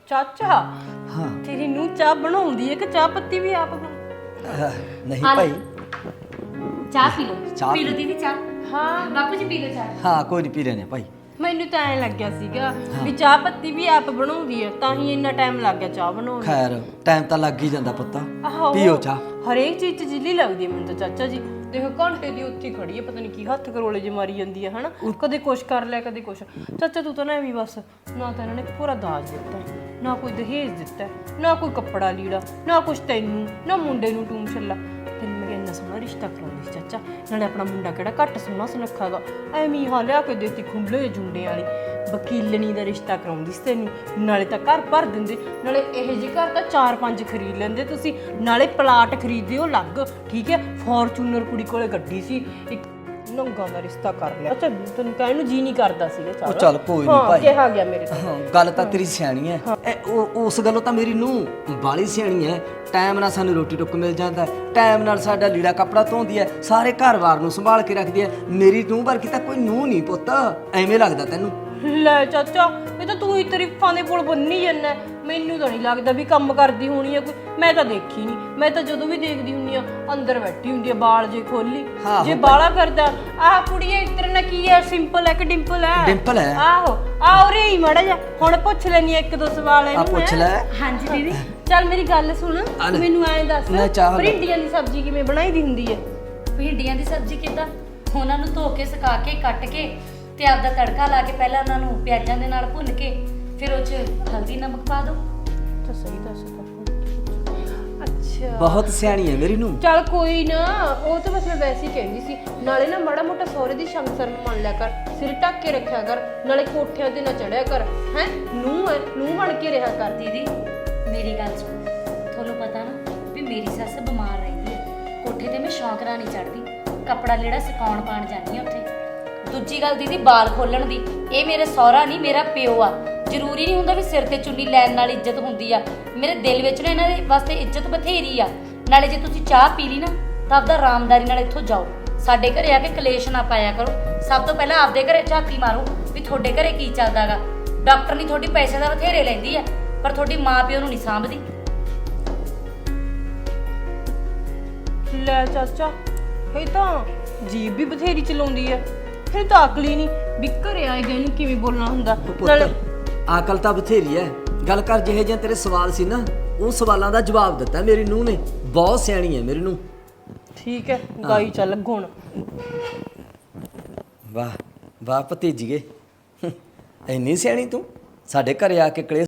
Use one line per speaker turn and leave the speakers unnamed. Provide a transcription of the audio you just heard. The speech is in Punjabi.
ਚਾਚਾ
हाँ
ਤੇਰੀ ਨੂੰ ਚਾਹ ਬਣਾਉਂਦੀ ਹੈ ਕਿ ਚਾਹ ਪੱਤੀ ਵੀ ਆਪ
नहीं
हाँ।
भाई
ਚਾਹ ਪੀ ਲਓ
ਚਾਹ
ਪੀ ਲਓ
ਪੀ-
ਦੀਦੀ ਚਾਹ
ਹਾਂ
ਬਾਪੂ ਜੀ ਪੀ ਲਓ ਚਾਹ
हाँ कोई नहीं पी लेने भाई
ਮੈਨੂੰ ਤਾਂ ਐਂ ਲੱਗਿਆ ਸੀਗਾ ਵੀ ਚਾਹ ਪੱਤੀ ਵੀ ਆਪ ਬਣਾਉਂਦੀ ਹੈ ਤਾਂ ਹੀ ਇੰਨਾ ਟਾਈਮ ਲੱਗ ਗਿਆ ਚਾਹ ਬਣਾਉਣ ਨੂੰ।
खैर टाइम तो लग ही जाता पुत्ता
ਆਹੋ,
पियो चाह
ਹਰੇਕ ਚੀਜ਼ 'ਚ ਜਿੱਲੀ ਲੱਗਦੀ ਹੈ ਮੈਨੂੰ ਤਾਂ ਚਾਚਾ ਜੀ। ਦੇਖੋ ਘੰਟੇ ਦੀ ਉੱਥੇ ਹੀ ਖੜੀ ਹੈ, ਪਤਾ ਨਹੀਂ ਕੀ ਹੱਥ ਕਰੋਲੇ ਜੇ ਮਾਰੀ ਜਾਂਦੀ ਹੈ ਹਨਾ। ਕਦੇ ਕੁਛ ਕਰ ਲਿਆ ਕਦੇ ਕੁਛ। ਚਾਚਾ ਤੂੰ ਤਾਂ ਨਾ ਐਵੇਂ ਬਸ, ਨਾ ਤਾਂ ਇਹਨਾਂ ਨੇ ਪੂਰਾ ਦਾਜ ਦਿੱਤਾ, ਨਾ ਕੋਈ ਦਹੇਜ ਦਿੱਤਾ, ਨਾ ਕੋਈ ਕੱਪੜਾ ਲੀੜਾ, ਨਾ ਕੁਛ ਤੈਨੂੰ ਨਾ ਮੁੰਡੇ ਨੂੰ ਟੂਮ ਛੱਲਾ। ਤੈਨੂੰ ਮੈਂ ਇੰਨਾ ਸੋਹਣਾ ਰਿਸ਼ਤਾ ਕਰਾਉਂਦੀ ਸੀ ਚਾਚਾ, ਨਾਲੇ ਆਪਣਾ ਮੁੰਡਾ ਕਿਹੜਾ ਘੱਟ ਸੋਹਣਾ ਸੁਨੱਖਾ ਗਾ, ਐਵੇਂ ਹਾਂ ਲਿਆ ਕੇ ਦੇਤੀ ਖੁੱਲੇ ਜੁੰਡੇ ਵਾਲੀ ਵਕੀਲਣੀ ਦਾ ਰਿਸ਼ਤਾ ਕਰਾਉਂਦੀ ਸੀ ਤੈਨੂੰ। ਨਾਲੇ ਤਾਂ ਘਰ ਭਰ ਦਿੰਦੇ, ਨਾਲੇ ਇਹੋ ਜਿਹੇ ਘਰ ਤਾਂ 4-5 ਖਰੀਦ ਲੈਂਦੇ ਤੁਸੀਂ, ਨਾਲੇ ਪਲਾਟ ਖਰੀਦਦੇ ਉਹ ਲੱਗ, ਠੀਕ ਹੈ। ਫੋਰਚੂਨਰ ਕੁੜੀ ਕੋਲੇ ਗੱਡੀ ਸੀ, ਇੱਕ ਨੰਗਾ ਦਾ ਰਿਸ਼ਤਾ ਕਰ ਲਿਆ। ਅੱਛਾ ਤੈਨੂੰ ਕਹਿਣ ਨੂੰ ਜੀ ਨਹੀਂ ਕਰਦਾ ਸੀਗਾ
ਉਹ ਚੱਲ ਕੋਈ ਨਹੀਂ ਭਾਈ
ਕਿਹਾ ਗਿਆ ਮੇਰੇ ਤੋਂ।
ਹਾਂ ਗੱਲ ਤਾਂ ਤੇਰੀ ਸਿਆਣੀ ਹੈ ਉਸ ਗੱਲੋਂ ਤਾਂ ਮੇਰੀ ਨੂੰ ਬਾਲੀ ਸਿਆਣੀ ਹੈ। ਟਾਈਮ ਨਾਲ ਸਾਨੂੰ ਰੋਟੀ ਟੁੱਕ ਮਿਲ ਜਾਂਦਾ, ਟਾਈਮ ਨਾਲ ਸਾਡਾ ਲੀੜਾ ਕੱਪੜਾ ਧੋਂਦੀ ਹੈ, ਸਾਰੇ ਘਰ-ਬਾਰ ਨੂੰ ਸੰਭਾਲ ਕੇ ਰੱਖਦੀ ਹੈ। ਮੇਰੀ ਨੂੰਹ ਵਰਗੀ ਤਾਂ ਕੋਈ ਨੂੰਹ ਨਹੀਂ ਪੁੱਤ, ਐਵੇਂ ਲੱਗਦਾ ਤੈਨੂੰ?
ਲੈ ਚਾਚਾ ਇਹ ਤਾਂ ਤੂੰ ਹੀ ਤਾਰੀਫਾਂ ਦੇ ਪੁਲ ਬੰਨੀ ਜਾਂਦਾ, ਮੈਨੂੰ ਤਾਂ ਨਹੀਂ ਲੱਗਦਾ ਵੀ ਕੰਮ ਕਰਦੀ ਹੋਣੀ ਹੈ ਕੋਈ। ਮੈਂ ਤਾਂ ਦੇਖੀ ਨਹੀਂ, ਮੈਂ ਤਾਂ ਜਦੋਂ ਵੀ ਦੇਖਦੀ ਹੁੰਨੀ ਆ ਅੰਦਰ ਬੈਠੀ ਹੁੰਦੀ ਆ ਬਾਲ ਜੇ ਖੋਲੀ। ਜੇ ਬਾਲਾ ਕਰਦਾ ਆਹ ਕੁੜੀਏ ਤੇਰੇ ਨਾਲ ਕੀ ਹੈ, ਸਿੰਪਲ ਹੈ ਕਿ ਡਿੰਪਲ ਹੈ?
ਡਿੰਪਲ ਹੈ।
ਆਹੋ ਆ ਉਰੇ ਹੀ ਮੜਾ ਜਾ, ਹੁਣ ਪੁੱਛ ਲੈਣੀ ਇੱਕ ਦੋ ਸਵਾਲ
ਆ
ਇਹਨੂੰ
ਪੁੱਛ ਲੈ।
ਹਾਂਜੀ ਦੀਦੀ
ਚੱਲ ਮੇਰੀ ਗੱਲ ਸੁਣ, ਤੂੰ ਮੈਨੂੰ ਐਂ ਦੱਸ
ਮੈਂ ਚਾਹ
ਭਿੰਡੀਆਂ ਦੀ ਸਬਜ਼ੀ ਕਿਵੇਂ ਬਣਾਈ ਦੀ ਹੁੰਦੀ ਹੈ?
ਭਿੰਡੀਆਂ ਦੀ ਸਬਜ਼ੀ ਕਿੱਦਾਂ? ਉਹਨਾਂ ਨੂੰ ਧੋ ਕੇ ਸੁਕਾ ਕੇ ਕੱਟ ਕੇ ਤੇ ਆਪਦਾ ਤੜਕਾ ਲਾ ਕੇ ਪਹਿਲਾਂ ਉਹਨਾਂ ਨੂੰ ਪਿਆਜ਼ਾਂ ਦੇ ਨਾਲ ਭੁੰਨ ਕੇ ਫਿਰ ਉਹ 'ਚ ਹਲਦੀ ਨਮਕ ਪਾ ਦਿਓ।
ਤਾਂ ਸਹੀ ਦੱਸ ਤਾ। ਅੱਛਾ
ਬਹੁਤ ਸਿਆਣੀ ਹੈ ਮੇਰੀ ਨੂੰ।
ਚੱਲ ਕੋਈ ਨਾ, ਉਹ ਤਾਂ ਬਸ ਮੈਂ ਵੈਸੇ ਹੀ ਕਹਿੰਦੀ ਸੀ। ਨਾਲੇ ਨਾ ਮਾੜਾ ਮੋਟਾ ਸਹੁਰੇ ਦੀ ਸ਼ਮਸਰ ਨੂੰ ਮੰਨ ਲਿਆ ਕਰ, ਸਿਰ ਢੱਕ ਕੇ ਰੱਖਿਆ ਕਰ, ਨਾਲੇ ਕੋਠਿਆਂ ਤੇ ਨਾ ਚੜਿਆ ਕਰ, ਹੈ ਨੂੰਹ ਬਣ ਕੇ ਰਿਹਾ ਕਰ।
ਦੀਦੀ ਮੇਰੀ ਗੱਲ ਸੁਣ, ਤੁਹਾਨੂੰ ਪਤਾ ਨਾ ਵੀ ਮੇਰੀ ਸੱਸ ਬਿਮਾਰ ਰਹਿੰਦੀ ਹੈ, ਕੋਠੇ ਤੇ ਮੈਂ ਸ਼ੌਂਕ ਨਾਲ ਨਹੀਂ ਚੜਦੀ, ਕੱਪੜਾ ਲੀੜਾ ਸੁਕਾਉਣ ਪਾਣ ਜਾਂਦੀ ਹਾਂ ਉੱਥੇ। ਦੂਜੀ ਗੱਲ ਦੀਦੀ ਬਾਲ ਖੋਲਣ ਦੀ, ਇਹ ਮੇਰੇ ਸਹੁਰਾ ਨਹੀਂ ਮੇਰਾ ਪਿਓ ਆ। ਜ਼ਰੂਰੀ ਨਹੀਂ ਹੁੰਦਾ ਵੀ ਸਿਰ ਤੇ ਚੁੰਨੀ ਲੈਣ ਨਾਲ ਇੱਜ਼ਤ ਹੁੰਦੀ ਆ, ਮੇਰੇ ਦਿਲ ਵਿੱਚ ਨਾ ਇਹਨਾਂ ਦੇ ਵਾਸਤੇ ਇੱਜ਼ਤ ਬਥੇਰੀ ਆ। ਨਾਲੇ ਜੇ ਤੁਸੀਂ ਚਾਹ ਪੀ ਲਈ ਨਾ ਤਾਂ ਆਪਦਾ ਆਰਾਮਦਾਰੀ ਨਾਲ ਇੱਥੋਂ ਜਾਓ, ਸਾਡੇ ਘਰੇ ਆ ਕੇ ਕਲੇਸ਼ ਨਾ ਪਾਇਆ ਕਰੋ। ਸਭ ਤੋਂ ਪਹਿਲਾਂ ਆਪਦੇ ਘਰੇ ਝਾਤੀ ਮਾਰੋ ਵੀ ਤੁਹਾਡੇ ਘਰੇ ਕੀ ਚੱਲਦਾਗਾ। ਡਾਕਟਰ ਨਹੀਂ ਤੁਹਾਡੀ ਪੈਸੇ ਦਾ ਬਥੇਰੇ ਲੈਂਦੀ ਆ, ਪਰ ਤੁਹਾਡੀ ਮਾਂ ਪਿਓ ਨੂੰ ਨਹੀਂ ਸਾਂਭਦੀ।
ਲੈ ਚਾਚਾ ਇਹ ਤਾਂ ਜੀਭ ਵੀ ਬਥੇਰੀ ਚਲਾਉਂਦੀ ਹੈ, ਫਿਰ ਤਾਂ ਅਕਲ ਹੀ ਨਹੀਂ ਵੀ ਘਰੇ ਆਏ ਗਏ ਨੂੰ ਕਿਵੇਂ ਬੋਲਣਾ ਹੁੰਦਾ। ਨਾਲੇ
ਅਕਲ ਤਾਂ ਬਥੇਰੀ ਹੈ, ਗੱਲ ਕਰ ਜਿਹੇ ਜਿਹੇ ਤੇਰੇ ਸਵਾਲ ਸੀ ਨਾ ਉਹ ਸਵਾਲਾਂ ਦਾ ਜਵਾਬ ਦਿੱਤਾ ਮੇਰੀ ਨੂੰਹ ਨੇ। ਬਹੁਤ ਸਿਆਣੀ ਹੈ ਮੇਰੀ ਨੂੰਹ।
ਠੀਕ ਹੈ ਗਾਈ ਚੱਲ ਗੁਣ।
ਵਾਹ ਵਾਹ ਭਤੀਜੀਏ, ਇੰਨੀ ਸਿਆਣੀ ਤੂੰ, ਸਾਡੇ ਘਰੇ ਆ ਕੇ ਕਲੇਸ਼